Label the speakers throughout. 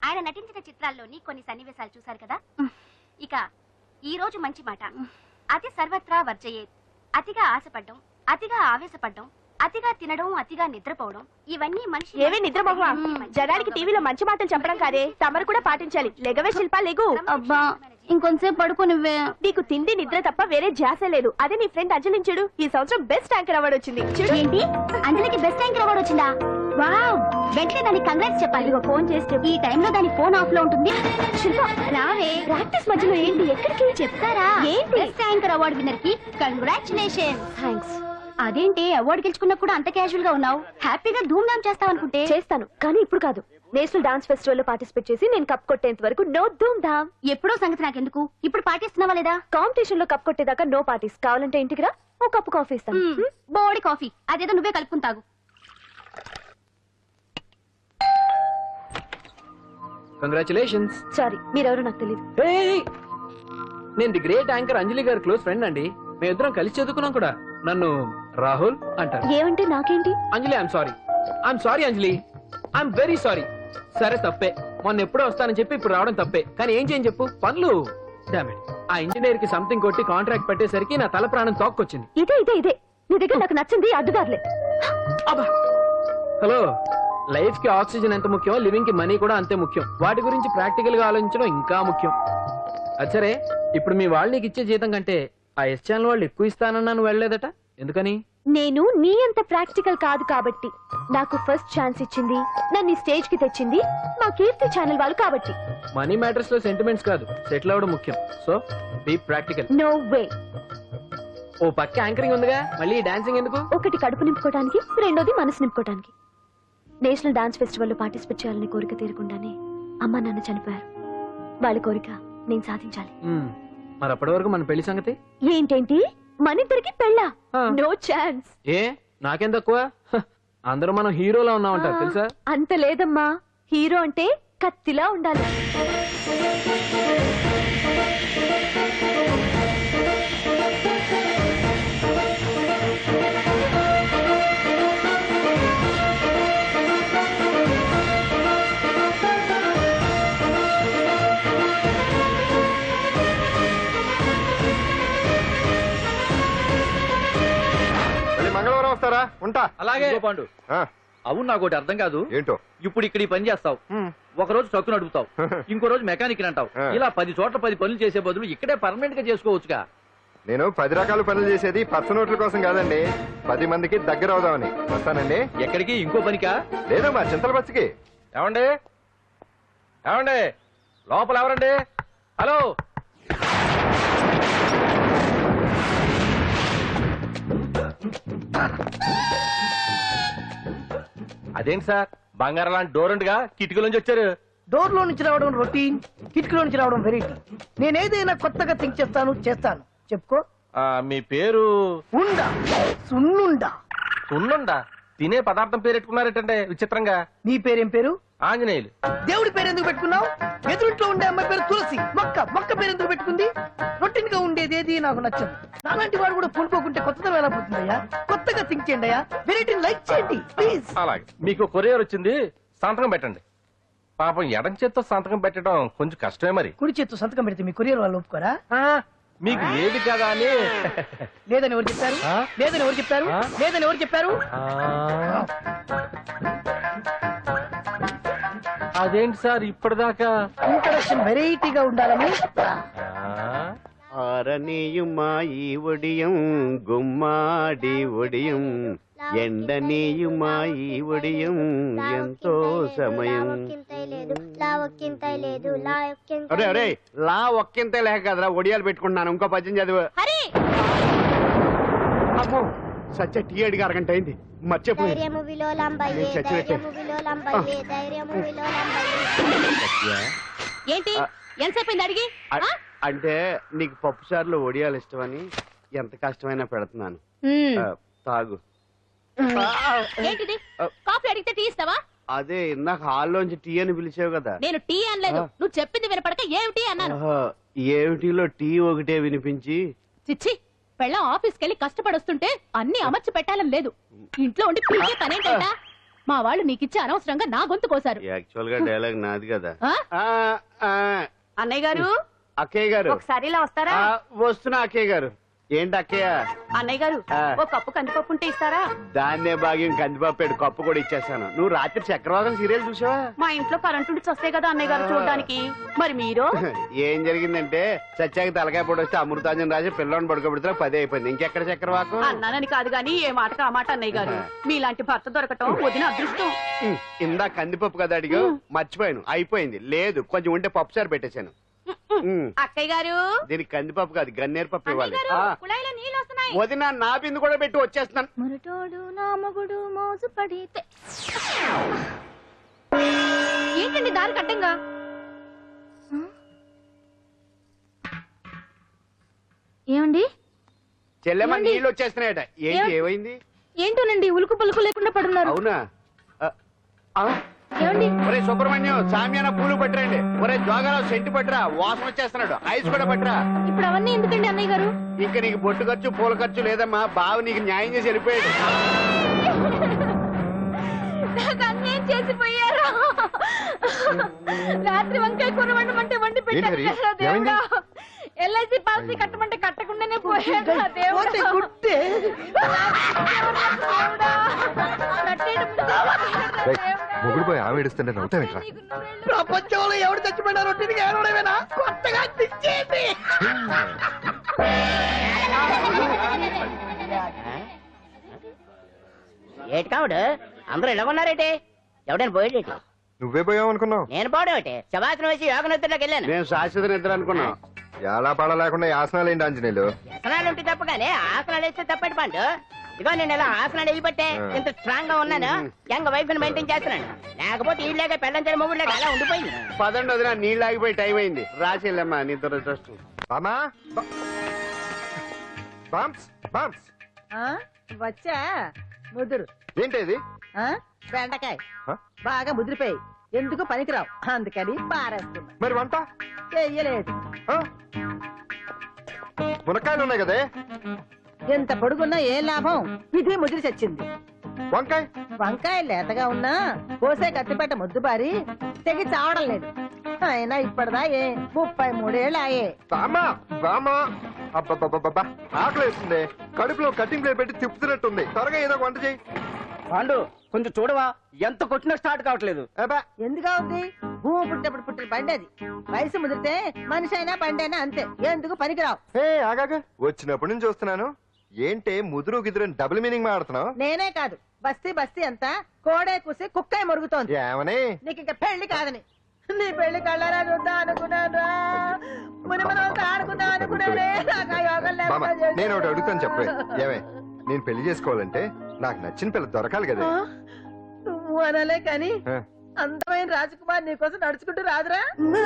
Speaker 1: ఆయన నటించిన చిత్రాల్లోని కొన్ని సన్నివేశాలు చూశారు కదా. ఇక ఈ రోజు మంచి మాట. అతి సర్వత్రా వర్జయేత్. అతిగా ఆశపడ్డం, అతిగా ఆవేశపడ్డం, అతిగా తినడం, అతిగా నిద్రపోవడం, ఇవన్నీ మనిషి
Speaker 2: ఏవే నిద్రపోవా. జనానికి టీవీలో మంచి మాటలు చెప్పడం కాదే, తమరు కూడా పాటించాలి. లెగవే శిల్పా, లెగు.
Speaker 1: అబ్బా ఇంకొంచెం పడుకోనివ్వే.
Speaker 2: నీకు తిండి నిద్ర తప్ప వేరే ధ్యాస లేదు. అదే నీ ఫ్రెండ్ అంజలిని చూడు, ఈ సంవత్సరం బెస్ట్ యాంకర్ అవార్డు వచ్చింది. చూడు.
Speaker 1: ఏంటి, అంజలికి బెస్ట్ యాంకర్ అవార్డు వచ్చిందా? వావ్, వెంటనే దానికి కంగ్రాట్స్ చెప్పాలి. ఫోన్ చేస్తే ఈ టైంలో దాని ఫోన్ ఆఫ్ లో ఉంటుంది. శిల్ప రావే, ప్రాక్టీస్ మధ్యలో ఏంటి, ఎక్కడికి చెప్తారా? ఏంటి, బెస్ట్ యాంకర్ అవార్డు విన్నర్ కి కంగ్రాచులేషన్.
Speaker 2: థ్యాంక్స్.
Speaker 1: అదేంటి అవార్డు గెలుచుకున్నా కూడా అంత క్యాజువల్ గా ఉన్నావు? హ్యాపీగా ధూమ్ ధామ్ చేస్తావు అనుకుంటే.
Speaker 2: చేస్తాను, కానీ ఇప్పుడు కాదు. నేషనల్ డాన్స్ ఫెస్టివల్ లో పార్టిసిపేట్ చేసి నేను కప్ కొట్టేంత వరకు నో ధూమ్ ధామ్.
Speaker 1: ఎప్పుడో సంగతి నాకెందుకు, ఇప్పుడు పాటిస్తున్నావా లేదా?
Speaker 2: కాంపిటీషన్ లో కప్ కొట్టేదాకా నో పార్టీస్. కావాలంటే ఇంటికి రా, ఓ కప్పు కాఫీ ఇస్తాను.
Speaker 1: బోడి కాఫీ అదేదో నువ్వే కలుపుకుని తాగు.
Speaker 3: కంగ్రాచులేషన్స్.
Speaker 2: సారీ, మీరెవరో నాకు తెలియదు.
Speaker 3: నేను ది గ్రేట్ యాంకర్ అంజలి గారి క్లోజ్ ఫ్రెండ్ అండి. మేమిద్దరం కలిసి చదువుకున్నాం కూడా. నన్ను రాహుల్ అంటారు.
Speaker 2: ఏమంటే నాకేంటి?
Speaker 3: Anjali I'm sorry Anjali, I'm very sorry. సరే తప్పే, మొన్న ఎప్పుడో వస్తానని చెప్పి ఇప్పుడు రావడం తప్పే. కానీ ఏం చేయని చెప్పు, పనులు. డామేట్, ఆ ఇంజనీర్ కి సంథింగ్ కొట్టి కాంట్రాక్ట్ పెట్టేసరికి నా తల ప్రాణం తోక్కొచ్చింది.
Speaker 2: ఇదే నీ దగ్గర నాకు నచ్చింది అడ్డుదారులే.
Speaker 3: హలో, లైఫ్ కి ఆక్సిజన్ ఎంత ముఖ్యం, లివింగ్ కి మనీ కూడా అంతే ముఖ్యం. వాటి గురించి ప్రాక్టికల్ గా ఆలోచించడం ఇంకా ముఖ్యం. అచ్చరే, ఇప్పుడు మీ వాళ్ళు నీకు ఇచ్చే జీతం కంటే ఆ ఎస్ ఛానల్ వాళ్ళు ఎక్కువ ఇస్తానన్నా నువ్వు వెళ్ళలేదట, ఎందుకని?
Speaker 2: నేను నీ అంత ప్రాక్టికల్ కాదు కాబట్టి. నాకు ఫస్ట్ ఛాన్స్ ఇచ్చింది, నన్ను స్టేజ్ కి తెచ్చింది మా కీర్తి ఛానల్ వాళ్ళు కాబట్టి.
Speaker 3: మనీ మ్యాటర్స్ లో సెంటిమెంట్స్ కాదు, సెటిల్ అవ్వడం ముఖ్యం. So be practical.
Speaker 2: No way.
Speaker 3: ఓ పక్క యాంకరింగ్ ఉందిగా, మళ్ళీ డాన్సింగ్ ఎందుకు?
Speaker 2: ఒకటి కడుపు నింపుకోవడానికి, రెండోది మనసు నింపుకోవడానికి. నేషనల్ డాన్స్ ఫెస్టివల్ లో పార్టిసిపేట్ చేయాలని కోరిక తీరకుండానే అమ్మ నాన్న చనిపోయారు. వాళ్ళ కోరిక నేను సాధించాలి.
Speaker 3: మరి అప్పటి వరకు మన పెళ్లి సంగతి
Speaker 2: ఏంటేంటి, మనిద్దరికి పెళ్ళా? No chance.
Speaker 3: ఏ నాకేం తక్కువ? అందరూ మనం హీరోలా ఉన్నామంటారు తెలుసా?
Speaker 2: అంత లేదమ్మా, హీరో అంటే కత్తిలా ఉండాలి.
Speaker 4: మంగళవారం వస్తారా? ఉంటా.
Speaker 5: అలాగే పాండు. అవును, నాకు ఒకటి అర్థం కాదు.
Speaker 4: ఏంటో?
Speaker 5: ఇప్పుడు ఇక్కడ ఈ పని చేస్తావు, ఒక రోజు ట్రక్కు నడుపుతావు, ఇంకో రోజు మెకానిక్ అంటావు. ఇలా 10 చోట్ల 10 పనులు చేసే బదులు ఇక్కడే పర్మనెంట్ గా చేసుకోవచ్చుగా.
Speaker 4: నేను 10 రకాల పనులు చేసేది పచ్చ నోట్ల కోసం కాదండి, 10 మందికి దగ్గర అవుదామని. వస్తానండి.
Speaker 5: ఎక్కడికి? ఇంకో పనికా?
Speaker 4: లేదు, మా చింతల బస్సుకి.
Speaker 5: ఏమండి ఏమండి, లోపల ఎవరండి? హలో, అదేంటి సార్, బంగారం లాంటి డోర్ ఉండగా కిటికీలోంచి వచ్చారు?
Speaker 6: డోర్ లో నుంచి రావడం రొటీన్, కిటికీలో నుంచి రావడం వెరైటీ. నేనేదైనా కొత్తగా థింక్ చేస్తాను. చెప్పుకో.
Speaker 5: మీ పేరు?
Speaker 6: ఉండా, సున్నుండా.
Speaker 5: సున్నుండా? తినే పదార్థం పేరు పెట్టుకున్నారేటంటే విచిత్రంగా.
Speaker 6: నీ పేరేం పేరు?
Speaker 5: ఆంజనేయులు.
Speaker 6: దేవుడి పేరు ఎందుకు పెట్టుకున్నావు? ఎదురుంట్లో ఉండే అమ్మాయి పేరు తులసి. మొక్క పేరు ఎందుకు పెట్టుకుంది? రొటీన్ గా ఉండేది ఏది నాకు నచ్చదు. నాలాంటి వాడు కూడా పూనుకోకుంటే కొత్తదనం ఎలా పోతుందయ్యా? కొత్తగా థింక్ చేయండి అయ్యా, వెరైటీని లైక్ చేయండి ప్లీజ్.
Speaker 5: అలాగే, మీకు కొరియర్ వచ్చింది, సంతకం పెట్టండి. పాపం ఎడం చేత్తో సంతకం పెట్టడం కొంచెం కష్టమే. మరి
Speaker 6: కుడి చేత్తు సంతకం పెడితే మీ కొరియర్ వాళ్ళు ఒప్పుకోరా?
Speaker 5: మీకు లేదు కదా అని.
Speaker 6: లేదని ఎవరు చెప్పారు? లేదని ఎవరు చెప్పారు? లేదని ఎవరు చెప్పారు?
Speaker 5: అదేంటి సార్ ఇప్పటిదాకా
Speaker 6: ఇంట్రడక్షన్ వెరైటీగా ఉండాలని.
Speaker 7: ఆరనీయుమా ఈ ఒడియం గుమ్మాడి ఒడియం, ఎండనీయుమా ఈ ఒడియం ఎంతో సమయం. అరే అరే, లా ఒక్కింతే లేక కదరా ఒడియాలు పెట్టుకుంటున్నాను. ఇంకో పద్యం చదువు. అమ్మో, సత్య టీ అడిగి అరగంట అయింది, మర్చిపోయి.
Speaker 2: ఏంటి ఎంతసేపు అడిగి?
Speaker 7: అంటే నీకు పప్పు చారులో ఒడియాలు ఇష్టమని ఎంత కష్టమైనా పెడుతున్నాను. తాగు.
Speaker 2: ఏంటిది, కాఫీ అడిగితే టీ ఇస్తావా?
Speaker 7: అదే ఇందాక హాల్లోంచి టీ అని పిలిచావు కదా.
Speaker 2: నేను టీ అనలేదు, నువ్వు చెప్పింది వినపడక ఏమిటి అన్నాను.
Speaker 7: ఏమిటిలో టీ ఒకటే వినిపించి.
Speaker 2: చిచ్చి, పెళ్ళం ఆఫీస్కి వెళ్ళి కష్టపడొస్తుంటే అన్ని అమర్చి పెట్టాలని లేదు. ఇంట్లో ఉండి పీకే పనేంటా?
Speaker 1: మా వాళ్ళు నీకిచ్చి అనవసరంగా నా గొంతు కోసారు.
Speaker 7: యాక్చువల్ గా డైలాగ్ నాది కదా.
Speaker 1: ఆ?
Speaker 7: ఆ, ఆ,
Speaker 1: అన్నయ్య గారు
Speaker 7: అక్కయ్య గారు
Speaker 1: ఒకసారి ఇలా వస్తారా?
Speaker 7: ఆ, వస్తున్నా అక్కయ్య గారు. ఏంటి అక్కయ్య?
Speaker 1: అన్నయ్య గారు
Speaker 7: ఆ.
Speaker 1: ఒక కప్పు కందిపప్పు ఉంటే ఇస్తారా?
Speaker 7: దాన్నే భాగ్యం కందిపాపేడు కప్పు కూడా ఇచ్చేసాను. నువ్వు రాత్రి చక్రవాదం సీరియల్ చూసావా?
Speaker 1: మా ఇంట్లో కరెంటు ఉండి వస్తాయి కదా అన్నయ్య గారు చూడడానికి. మరి మీరు
Speaker 7: ఏం జరిగిందంటే సత్యాకి తలకాయ పొడి వస్తే అమృతాంజన్ రాజు పిల్లని పడుకోబెడితే 10 అయిపోయింది. ఇంకెక్కడ చక్రవాకం?
Speaker 1: అన్నానని కాదు గాని ఏ మాటకు ఆ మాట అన్నయ్య గారు. మీలాంటి భర్త దొరకటం వదిన అదృష్టం.
Speaker 7: ఇందా కందిపప్పు కదా అడిగా, మర్చిపోయాను. అయిపోయింది. లేదు కొంచెం ఉంటే పప్పు సార్ పెట్టేశాను.
Speaker 1: అక్కయ్య గారు
Speaker 7: దీనికి కందిపప్పు కాదు గన్నేరు పప్పు ఇవ్వాలి. ఆ,
Speaker 1: కుళాయిలో నీళ్ళు వస్తున్నాయి.
Speaker 7: వదిన నా బిందు కూడా పెట్టి వచ్చేస్తున్నాను.
Speaker 2: మురటోడు నా మగుడు మోజు పడితే.
Speaker 1: ఏంటండి దారి కట్టంగా?
Speaker 2: ఏమండి?
Speaker 7: చెల్లెమ్మ
Speaker 2: ఏమండి?
Speaker 7: నీళ్ళు వచ్చేస్తున్నాయట. ఏంటి ఏమైంది?
Speaker 2: ఏంటోనండి ఉలుకు పలుకు లేకుండా పడున్నారు.
Speaker 7: అవునా? ఆ, ఆ,
Speaker 2: ఏమండి?
Speaker 7: ఒరే సుబ్రహ్మణ్యం సామ్యాన పూలు పట్టరండి. ఒరే జోగారావు సెంటు పట్టరా, వాసన వచ్చేస్తున్నాడు. ఐస్ కూడా పట్టరా.
Speaker 2: ఇప్పుడు అవన్నీ ఎందుకండి అన్నయ్య గారు?
Speaker 7: ఇంకా నీకు బొట్టు ఖర్చు పూల ఖర్చు లేదమ్మా. బావ నీకు న్యాయం చేసి వెళ్ళిపోయాడు.
Speaker 2: నాకు అన్యాయం చేసిపోయారు. రాత్రి వంకాయ కూర వండమంటే వండి పెట్టారు
Speaker 4: ఏంటి హరి?
Speaker 2: కదా దేవుడా.
Speaker 4: ఏమైంది?
Speaker 2: ఎల్ఐసి పాలసీ కట్టమంటే కట్టకుండానే పోయాడు నా దేవుడా.
Speaker 6: పోతే గుట్టే.
Speaker 2: దేవుడా. కట్టేయడం దేవుడా.
Speaker 4: మొగుడు పోయి ఆమె ఏడుస్తుంటే నవ్వుతావేంట్రా?
Speaker 6: ప్రపంచంలో ఎవరు చచ్చిపోయినా రొట్టెని ఏడవడమేనా? కొత్తగా తెచ్చేయండి.
Speaker 8: ఏటి కావుడు అందరూ ఇలా ఉన్నారేటి? ఎవడైనా పోయేటి?
Speaker 4: నువ్వే పోయావు అనుకున్నావు.
Speaker 8: నేను పోవడం ఏంటి? శవాసనం వేసి యోగ నిద్రలోకి వెళ్ళాను.
Speaker 7: నేను శాశ్వత నిద్ర అనుకున్నా.
Speaker 4: ఎలా పాడ లేకుండా యాసనాలు ఏంటి ఆంజనేయులు?
Speaker 8: వ్యసనాలు ఉంటే తప్ప కానీ ఆసనాలు వేస్తే తప్పటి పండు. ఇదిగో నేను ఇలా ఆసనాలు వేయబట్టే ఇంత స్ట్రాంగ్ గా ఉన్నాను. యంగ్ వైఫ్ ని మెయింటైన్ చేస్తున్నాను. లేకపోతే ఈ లేక పెళ్ళంచని మొగుడు లేక అలా ఉండిపోయింది.
Speaker 7: పదండి వదిన, నీళ్ళు ఆగిపోయి టైం అయింది. రాసేళ్ళమ్మా నిద్ర ట్రస్ట్.
Speaker 4: బామా బామ్స్ బామ్స్
Speaker 9: వచ్చా ముదురు
Speaker 4: ఏంటి ఇది?
Speaker 9: బెండకాయ
Speaker 4: ఆ?
Speaker 9: బాగా ముదిరిపోయి ఎందుకు పనికిరావు అందుకని పారేస్తున్నా.
Speaker 4: మరి వంట?
Speaker 9: చెయ్యలేదు.
Speaker 4: ఆ? మునక్కాయలు ఉన్నాయి కదే.
Speaker 9: ఎంత పొడుగున్నా ఏం లాభం? ఇది ముదిరి చచ్చింది.
Speaker 4: వంకాయ?
Speaker 9: వంకాయ లేతగా ఉన్నా కోసే కత్తిపెట్ట ముద్దు బారి తెగి చావడం లేదు. అయినా ఇప్పటిదా 33 ఏళ్ళు ఆయే.
Speaker 4: బామా బామా అబ్బబ్బబ్బబ్బా ఆకలి వేస్తుంది. కడుపులో కటింగ్ ప్లేట్ పెట్టి తిప్పుతున్నట్టుంది. త్వరగా ఏదో ఒక వంట చేయి.
Speaker 5: పాండు కొంచెం చూడవా, ఎంత కొట్టినా స్టార్ట్ కావట్లేదు.
Speaker 4: అబ్బా
Speaker 9: ఎందుగా ఉంది? భూమి పుట్టినప్పుడు పుట్టిన బండి అది. వయసు ముదిరితే మనిషి అయినా బండి అయినా అంతే. ఎందుకు పనికిరావు.
Speaker 4: ఆగాక వచ్చినప్పటి నుంచి చూస్తున్నాను. ఏంటే ముదురు గిదురు డబుల్ మీనింగ్ మాడుతున్నావు?
Speaker 9: నేనే కాదు బస్తీ బస్తీ అంతా కోడే కూసి కుక్కే మరుగుతోంది.
Speaker 4: ఏమని?
Speaker 9: నీకు ఇంకా పెళ్లి కాదని. నీ పెళ్లి కళ్ళారా చూద్దాం అనుకున్నాను. మునిమనంతా ఆడుకుందాం అనుకున్నానే. నాకు ఆ యోగం
Speaker 4: బామ్మ
Speaker 9: లేకుండా చేశారు.
Speaker 4: నేను ఒకటి అడుగుతాను చెప్పే. ఏమే నేను పెళ్లి చేసుకోవాలంటే నాకు నచ్చిన పిల్ల దొరకాలి కదా.
Speaker 9: ఆ? నువ్వు అనలే కాని
Speaker 4: ఆ.
Speaker 9: అందమైన రాజకుమార్ నీకోసం నడుచుకుంటూ రాదురా.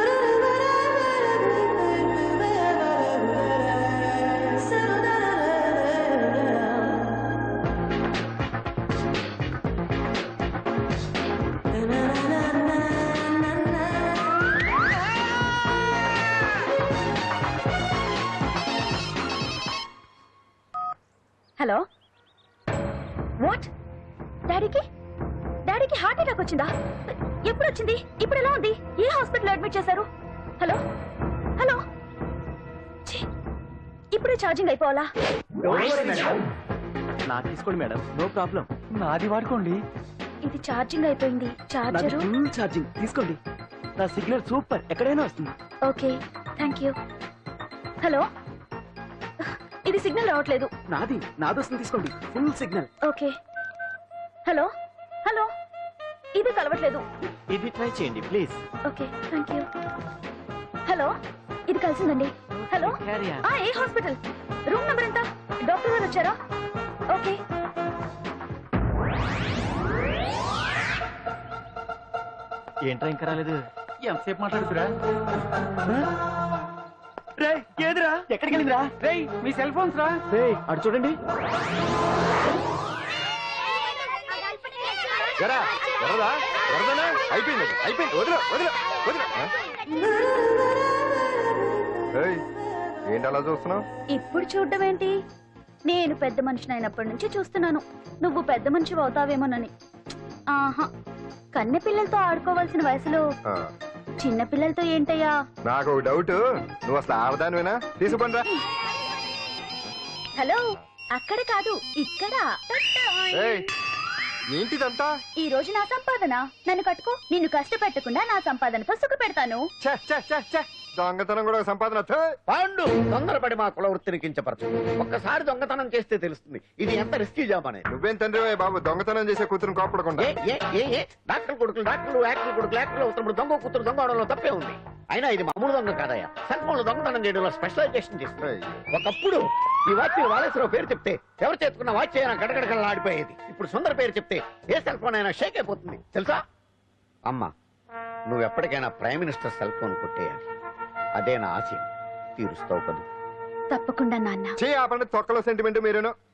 Speaker 2: Hello what? డాడీకి హార్ట్ అటాక్ వచ్చిందా? ఎప్పుడు వచ్చింది? ఇప్పుడు ఎలా ఉంది? ఏ హాస్పిటల్ అడ్మిట్ చేశారు? హలో హలో ఛీ, ఇప్పుడే ఛార్జింగ్ అయిపోవాలా?
Speaker 3: నా తీసుకోండి మేడం, నో ప్రాబ్లం. నాది వాడుకోండి.
Speaker 2: ఇది ఛార్జింగ్ అయిపోయింది. చార్జరు
Speaker 3: ఫుల్ ఛార్జింగ్ తీసుకోండి. నా సిగ్నల్ సూపర్, ఎక్కడైనా వస్తుంది.
Speaker 2: Okay thank you. హలో ఇది సిగ్నల్ రావట్లేదు.
Speaker 3: నాది వస్తుంది, తీసుకోండి. Full signal.
Speaker 2: Okay hello hello ఇది కలవట్లేదు.
Speaker 3: ఇది ట్రై చేయండి please.
Speaker 2: Okay thank you. Hello ఇది కలిసిందండి. హలో ఏ హాస్పిటల్? రూమ్ నెంబర్ ఎంత? డాక్టర్ గారు వచ్చారా? ఓకే
Speaker 3: ఏంట్రా ఇంకా రాలేదు? ఎంతసేపు మాట్లాడుతురా? రే ఏదిరా? ఎక్కడికి వెళ్ళిందిరా? రే మీ సెల్ ఫోన్స్ రా. రే అటు చూడండి.
Speaker 4: ఎరా ఎర్రదా ఎర్రదనా? అయిపోయింది అయిపోయింది. వదిలే వదిలే వదిలే. ఏంటి అలా చూస్తున్నావు?
Speaker 2: ఇప్పుడు చూడడం ఏంటి? నేను పెద్ద మనిషిని అయినప్పటి నుంచి చూస్తున్నాను. నువ్వు పెద్ద మనిషి అవుతావేమోనని.
Speaker 1: ఆహా కన్నె పిల్లలతో ఆడుకోవాల్సిన వయసులో
Speaker 4: ఆ,
Speaker 1: చిన్న పిల్లలతో ఏంటయ్యా?
Speaker 4: నాకు ఒక డౌట్, నువ్వు అసలు ఆడదానివేనా? తీసుకుంటా.
Speaker 1: హలో, అక్కడ కాదు ఇక్కడ.
Speaker 4: ఏయ్, ఏంటిదంతా?
Speaker 1: ఈ రోజు నా సంపాదన, నన్ను కట్టుకో. నిన్ను కష్టపెట్టకుండా నా సంపాదనతో సుఖ పెడతాను.
Speaker 4: ఛే, ఛే, ఛే, ఛే. దొంగతనం కూడా ఒక సంపాదన. థూ.
Speaker 7: పాండు తొందరపడి మా కుల వృత్తిని కించపరచు. ఒక్కసారి దొంగతనం చేస్తే తెలుస్తుంది ఇది ఎంత రిస్కీ జాబ్ అనేది.
Speaker 4: నువ్వేం తండ్రి బాబు, దొంగతనం చేసే కూతురు కోపడకుండా.
Speaker 7: డాక్టర్ కొడుకులు డాక్టర్లు, యాక్టర్ కొడుకులు యాక్టర్లు అవుతున్నప్పుడు దొంగ కూతురు దొంగ అవడంలో తప్పే ఉంది. అయినా ఇది మామూలు దొంగ కాదయ్యా, సెల్ ఫోన్ లో దొంగతనం చేయడంలో స్పెషలైజేషన్ చేస్తుంది. ఒకప్పుడు ఈ వాచ్ వాలేశ్వరరావు పేరు చెప్తే ఎవరు చేతుకున్న వాచ్ అయినా గడగడగడలా ఆడిపోయేది. ఇప్పుడు సుందర పేరు చెప్తే ఏ సెల్ ఫోన్ అయినా షేక్ అయిపోతుంది తెలుసా? అమ్మా, నువ్వు ఎప్పటికైనా ప్రైమ్ మినిస్టర్ సెల్ ఫోన్ కొట్టేయాలి. అదే నా ఆశయం. తీరుస్తావు కదా?
Speaker 1: తప్పకుండా నాన్న.
Speaker 4: చే ఆ పండుగ తొక్కలో సెంటిమెంట్ మీరేను.